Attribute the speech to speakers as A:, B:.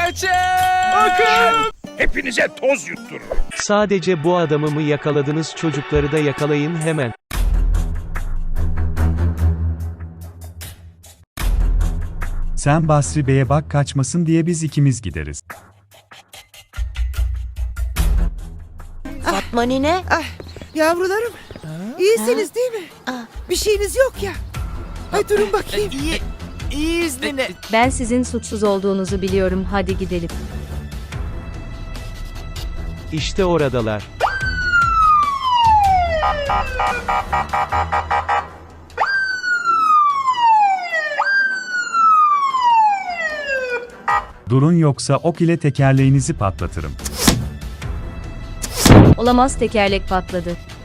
A: Kaçın!
B: Akın!
C: Hepinize toz yutturur.
D: Sadece bu adamı mı yakaladınız, çocukları da yakalayın hemen.
B: Sen Basri Bey'e bak, kaçmasın diye biz ikimiz gideriz.
E: Fatma nine.
F: Yavrularım, iyisiniz değil mi? Bir şeyiniz yok ya. Ay durun bakayım.
A: İyiyiz nene.
G: Ben sizin suçsuz olduğunuzu biliyorum, hadi gidelim.
D: İşte oradalar.
B: Durun, yoksa ok ile tekerleğinizi patlatırım.
G: Olamaz, tekerlek patladı.